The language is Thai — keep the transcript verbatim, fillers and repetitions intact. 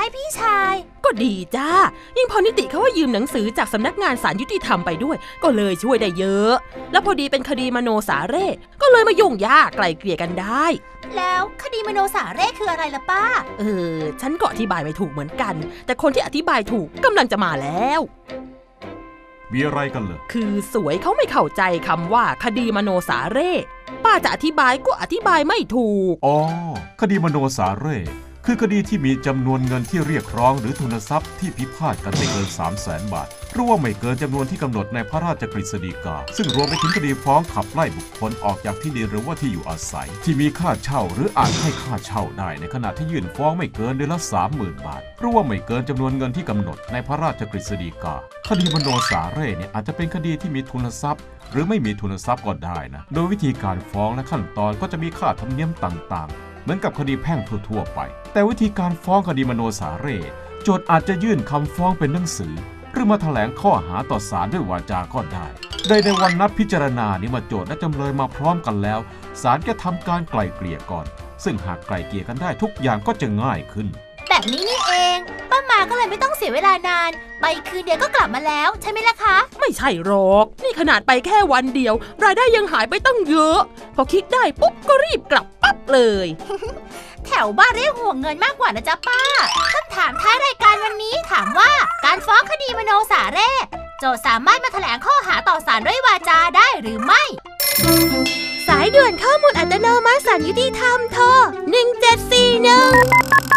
ให้พี่ชายก็ดีจ้ายิ่งพอนิติเขาว่ายืมหนังสือจากสำนักงานศาลยุติธรรมไปด้วยก็เลยช่วยได้เยอะแล้วพอดีเป็นคดีมโนสาเร่ก็เลยมายุ่งยากไกลเกลี่ยกันได้แล้วคดีมโนสาเร่คืออะไรล่ะป้าเออฉันก็อธิบายไม่ถูกเหมือนกันแต่คนที่อธิบายถูกกำลังจะมาแล้วมีอะไรกันเหรอคือสวยเขาไม่เข้าใจคำว่าคดีมโนสาเร่ป้าจะอธิบายก็อธิบายไม่ถูกอ๋อคดีมโนสาเร่คือคดีที่มีจำนวนเงินที่เรียกร้องหรือทุนทรัพย์ที่พิพาทกันไม่เกิน สามแสน บาทหรือว่าไม่เกินจำนวนที่กำหนดในพระราชกฤษฎีกาซึ่งรวมไปถึงคดีฟ้องขับไล่บุคคลออกจากที่ดินหรือว่าที่อยู่อาศัยที่มีค่าเช่าหรืออาจให้ค่าเช่าได้ในขณะที่ยื่นฟ้องไม่เกินเดือนละ สามหมื่น บาทหรือว่าไม่เกินจำนวนเงินที่กำหนดในพระราชกฤษฎีกาคดีมโนสาเร่เนี่ยอาจจะเป็นคดีที่มีทุนทรัพย์หรือไม่มีทุนทรัพย์ก็ได้นะโดยวิธีการฟ้องและขั้นตอนก็จะมีค่าธรรมเนียมต่างๆเหมือนกับคดีแพ่งทั่วๆไปแต่วิธีการฟ้องคดีมโนสาเร่โจทก์อาจจะยื่นคำฟ้องเป็นหนังสือหรือมาแถลงข้อหาต่อศาลด้วยวาจาก็ได้โดยในวันนัดพิจารณานี้มาโจทก์และจำเลยมาพร้อมกันแล้วศาลจะทำการไกล่เกลี่ยก่อนซึ่งหากไกล่เกลี่ยกันได้ทุกอย่างก็จะง่ายขึ้นแบบนี้นี่เองป้ามาก็เลยไม่ต้องเสียเวลานานไปคืนเดียวก็กลับมาแล้วใช่ไหมล่ะคะไม่ใช่หรอกนี่ขนาดไปแค่วันเดียวรายได้ยังหายไปตั้งเยอะพอคิดได้ปุ๊บก็รีบกลับปั๊บเลยแถวบ้านเรียกห่วงเงินมากกว่านะจ๊ะป้าคำถามท้ายรายการวันนี้ถามว่าการฟ้องคดีมโนสาเร่โจทก์สามารถมาแถลงข้อหาต่อศาลด้วยวาจาได้หรือไม่สายด่วนข้อมูลอัตโนมัติศาลยุติธรรมโทรหนึ่งเจ็ดสี่หนึ่ง